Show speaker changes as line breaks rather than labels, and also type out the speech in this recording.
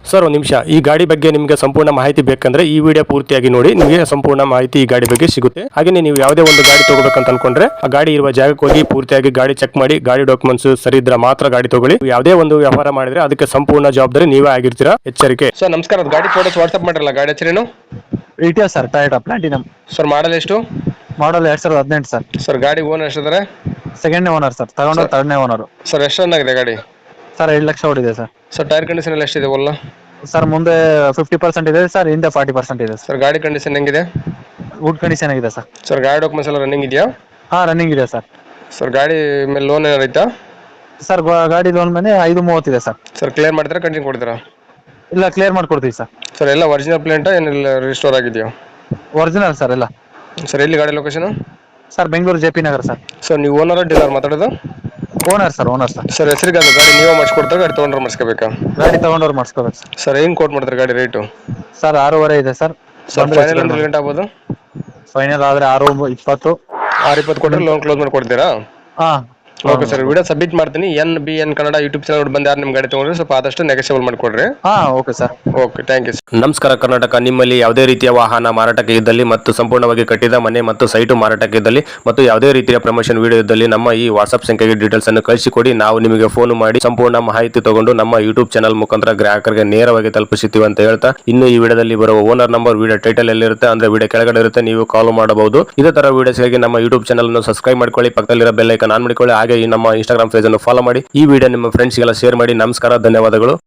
Sir ಒಂದು ನಿಮಿಷ, ಈ ಗಾಡಿ ಬಗ್ಗೆ ನಿಮಗೆ ಸಂಪೂರ್ಣ ಮಾಹಿತಿ ಬೇಕಂದ್ರೆ ಈ ವಿಡಿಯೋ ಪೂರ್ತಿಯಾಗಿ ನೋಡಿ, ನಿಮಗೆ ಸಂಪೂರ್ಣ ಮಾಹಿತಿ ಈ ಗಾಡಿ ಬಗ್ಗೆ ಸಿಗುತ್ತೆ. ಹಾಗೆ ನೀವು ಯಾವುದೇ ಒಂದು ಗಾಡಿ ತಗೋಬೇಕಂತ ಅನ್ಕೊಂಡ್ರೆ ಆ ಗಾಡಿ ಇರುವ ಜಾಗಕ್ಕೆ ಹೋಗಿ ಪೂರ್ತಿಯಾಗಿ ಗಾಡಿ ಚೆಕ್ ಮಾಡಿ, ಗಾಡಿ ಡಾಕ್ಯುಮೆಂಟ್ಸ್ ಸರಿ ಇದ್ರೆ ಮಾತ್ರ ಗಾಡಿ ತಗೊಳ್ಳಿ. ಯಾವುದೇ ಒಂದು ವ್ಯವಹಾರ ಮಾಡಿದ್ರೆ ಅದಕ್ಕೆ ಸಂಪೂರ್ಣ ಜವಾಬ್ದಾರಿ ನೀವೇ ಆಗಿರ್ತೀರಾ, ಎಚ್ಚರಿಕೆ. ಸರ್ ನಮಸ್ಕಾರ, ಗಾಡಿ ಫೋಟೋಸ್ ವಾಟ್ಸ್ಆಪ್ ಮಾಡಿರಲ್ಲ, ಗಾಡಿ ಹೆಸರೇನು?
Etios sir, Toyota platinum.
Sir model ಎಷ್ಟು?
Model 2018 sir.
ಸರ್ ಗಾಡಿ ಓನರ್ ಎಷ್ಟಿದ್ದಾರೆ?
ಸೆಕೆಂಡ್ ಓನರ್ ಸರ್, ತಗೊಂಡು ಥರ್ಡ್ನೇ ಓನರ್.
ಸರ್ ಎಷ್ಟು ರನ್ ಆಗಿದೆ ಗಾಡಿ?
ಸರ್ 2 ಲಕ್ಷ ಓಡಿದೆ ಸರ್.
ಸರ್ ಟೈರ್ ಕಂಡೀಷನ್ ಎಲ್ಲ ಎಷ್ಟಿದೆ ಒಲ್ಲ?
ಸರ್ ಮುಂದೆ 50% ಇದೆ ಸರ್, ಹಿಂದೆ 40% ಇದೆ ಸರ್.
ಸರ್ ಗಾಡಿ ಕಂಡೀಷನ್ ಹೆಂಗಿದೆ?
ವುಡ್ ಕಂಡೀಷನ್ ಆಗಿದೆ ಸರ್.
ಸರ್ ಗಾಡಿ ಡಾಕ್ಯುಮೆಂಟ್ಸ್ ಎಲ್ಲ ರನ್ನಿಂಗ್ ಇದೆಯಾ?
ಹಾ, ರನ್ನಿಂಗ್ ಇದೆ ಸರ್.
ಸರ್ ಗಾಡಿ ಮೇಲೆ ಲೋನ್ ಏನಾರು ಐತಾ?
ಸರ್ ಗಾಡಿ ಲೋನ್ ಮೇಲೆ 530 ಇದೆ ಸರ್.
ಸರ್ ಕ್ಲಿಯರ್ ಮಾಡ್ತೀರಾ, ಕಂಟಿನ್ಯೂ ಕೊಡ್ತೀರಾ?
ಇಲ್ಲ, ಕ್ಲಿಯರ್ ಮಾಡ್ಕೊಡ್ತೀವಿ ಸರ್.
ಸರ್ ಎಲ್ಲ ಒರಿಜಿನಲ್ ಪ್ಲೇಂಟಾ ಏನಿಲ್ಲ ರಿಸ್ಟೋರ್ ಆಗಿದೆಯಾ?
ಒರಿಜಿನಲ್ ಸರ್ ಎಲ್ಲ.
ಸರ್ ಎಲ್ಲಿ ಗಾಡಿ location?
Sir Bengaluru JP Nagar sir.
Sir ನೀವು ಓನರ್ ಡೀಲರ್ ಮಾತಾಡೋದು?
Owner sir, owner sir.
Sir ಹೆಸರಿಗೆ ಅದು ಗಾಡಿ ನೀವೇ ಮಾಡಿಸ್ಕೊಡ್ತಾರೆ, ಗಾಡಿ ತೊಗೊಂಡ್ರೆ ಮಾಡಿಸ್ಕೋಬೇಕಾ?
ಗಾಡಿ ತಗೊಂಡವ್ರು ಮಾಡಿಸ್ಕೋಬೇಕು ಸರ್.
ಸರ್ ಹೆಂಗೆ ಕೋಟ್ ಮಾಡ್ತಾರೆ ಗಾಡಿ ರೇಟು?
ಸರ್ 6.5 ಇದೆ ಸರ್.
ಸರ್ ಫೈನಲ್ ಅಂದ್ರೆ ಗಂಟೆ ಆಗ್ಬೋದು?
ಫೈನಲ್ ಆದ್ರೆ 6.20.
6.20 ಕೊಟ್ಟರೆ ಲೋನ್ ಕ್ಲೋಸ್ ಮಾಡಿ ಕೊಡ್ತೀರಾ?
ಹಾ,
ಓಕೆ ಸರ್, ವಿಡಿಯೋ ಸಬ್ಮಿಟ್ ಮಾಡ್ತೀನಿ. NBN ಕನ್ನಡ ಯೂಟ್ಯೂಬ್ ಚಾನಲ್ ಬಂದು ಯಾರು ನಿಮ್ಮ ಗಾಡಿ ತೊಗೊಂಡ್ರೆ ಸ್ವಲ್ಪ ಆದಷ್ಟು ನೆಗೋಷಿಯಬಲ್ ಮಾಡಿಕೊಡ್ರಿ.
ಹಾ, okay sir.
Okay, thank you. ನಮಸ್ಕಾರ ಕರ್ನಾಟಕ. ನಿಮ್ಮಲ್ಲಿ ಯಾವುದೇ ರೀತಿಯ ವಾಹನ ಮಾರಾಟಕ್ಕೆ ಇದ್ದಲ್ಲಿ ಮತ್ತು ಸಂಪೂರ್ಣವಾಗಿ ಕಟ್ಟಿದ ಮನೆ ಮತ್ತು ಸೈಟು ಮಾರಾಟಕ್ಕೆ ಇದ್ದಲ್ಲಿ ಮತ್ತು ಯಾವುದೇ ರೀತಿಯ ಪ್ರಮೋಷನ್ ವಿಡಿಯೋ ಇದ್ದಲ್ಲಿ ನಮ್ಮ ಈ ವಾಟ್ಸ್ಆಪ್ ಸಂಖ್ಯೆಗೆ ಡೀಟೇಲ್ಸ್ ಅನ್ನು ಕಳಿಸಿಕೊಡಿ. ನಾವು ನಿಮಗೆ ಫೋನ್ ಮಾಡಿ ಸಂಪೂರ್ಣ ಮಾಹಿತಿ ತಗೊಂಡು ನಮ್ಮ ಯೂಟ್ಯೂಬ್ ಚಾನಲ್ ಮುಖಾಂತರ ಗ್ರಾಹಕರಿಗೆ ನೇರವಾಗಿ ತಲುಪಿಸುತ್ತೀವಿ ಅಂತ ಹೇಳ್ತಾ, ಇನ್ನು ಈ ವಿಡಿಯೋದಲ್ಲಿ ಬರುವ ಓನರ್ ನಂಬರ್ ವಿಡಿಯೋ ಟೈಟಲ್ ಎಲ್ಲಿರುತ್ತೆ ಅಂದ್ರೆ ವಿಡಿಯೋ ಕೆಳಗಡೆ ಇರುತ್ತೆ, ನೀವು ಕಾಲ್ ಮಾಡಬಹುದು. ಇದೇ ತರ ವಿಡಿಯೋಸ್ಗಾಗಿ ನಮ್ಮ ಯೂಟ್ಯೂಬ್ ಚಾನಲ್ ಅನ್ನು ಸಬ್ಸ್ಕ್ರೈಬ್ ಮಾಡ್ಕೊಳ್ಳಿ, ಪಕ್ಕದಲ್ಲಿರೋ ಬೆಲ್ ಐಕಾನ್ ಆನ್ ಮಾಡಿಕೊಳ್ಳಿ. ಹಾಗೆ ಈ ನಮ್ಮ ಇನ್ಸ್ಟಾಗ್ರಾಮ್ ಪೇಜ್ ಅನ್ನು ಫಾಲೋ ಮಾಡಿ. ಈ ವಿಡಿಯೋ ನಿಮ್ಮ ಫ್ರೆಂಡ್ಸ್ಗೆಲ್ಲ ಶೇರ್ ಮಾಡಿ. ನಮಸ್ಕಾರ, ಧನ್ಯವಾದಗಳು.